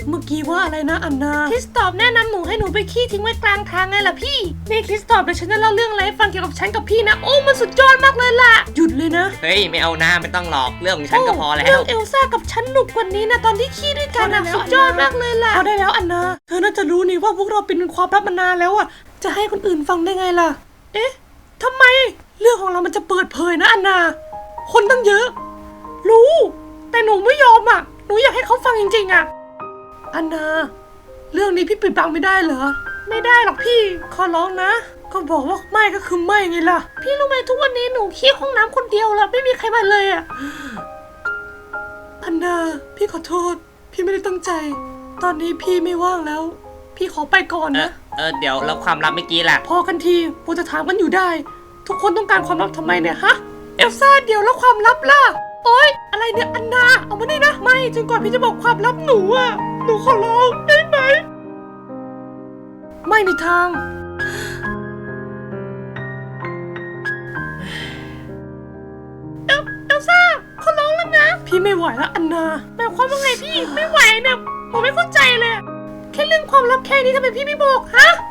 เมื่อกี้ว่าอะไรนะอันนาคริสตอฟแนะนำหนูให้หนูไปขี้ทิ้งไว้กลางทางไงล่ะพี่นี่คริสตอฟเดี๋ยวฉันจะเล่าเรื่องอะไรให้ฟังเกี่ยวกับฉันกับพี่นะโอ้มันสุดยอดมากเลยล่ะหยุดเลยนะเฮ้ยไม่เอาหน้าไม่ต้องหลอกเรื่องของฉันก็พอแล้วเรื่องเอลซ่ากับฉันหนุกกว่านี้นะตอนที่ขี้ด้วยกันนะสุดยอดมากเลยล่ะเอาได้แล้วอันนาเธอน่าจะรู้นี่ว่าพวกเราเป็นความลับมานานแล้วอ่ะจะให้คนอื่นฟังได้ไงล่ะเอ๊ะทำไมเรื่องของเรามันจะเปิดเผยนะอันนาคนตั้งเยอะรู้แต่หนูไม่ยอมอ่ะหนูอยากให้เขาฟังจริงๆอ่ะอันนาเรื่องนี้พี่ปิดบังไม่ได้เหรอไม่ได้หรอกพี่ขอร้องนะก็บอกว่าไม่ก็คือไม่ไงล่ะพี่รู้ไหมทุกวันนี้หนูขี้ห้องน้ำคนเดียวแล้วไม่มีใครมาเลยอ่ะอันนาพี่ขอโทษพี่ไม่ได้ตั้งใจตอนนี้พี่ไม่ว่างแล้วพี่ขอไปก่อนนะเดี๋ยวแล้วความลับเมื่อกี้ล่ะพอกันทีกูจะถามกันอยู่ได้ทุกคนต้องการความลับทำไมเนี่ยฮะเอลซ่าเดี๋ยวแล้วความลับล่ะโอ๊ยอะไรเนี่ยอันนาเอามานี่นะไม่จนกว่าพี่จะบอกความลับหนูอ่ะหนูขอร้องได้ไหมไม่มีทางเอลซ่าขอร้องแล้วนะพี่ไม่ไหวแล้วอันนาหมายความว่าไงพี่ไม่ไหวเนี่ยผมไม่เข้าใจเลยแค่เรื่องความลับแค่นี้ทำไมพี่ไม่บอกฮะ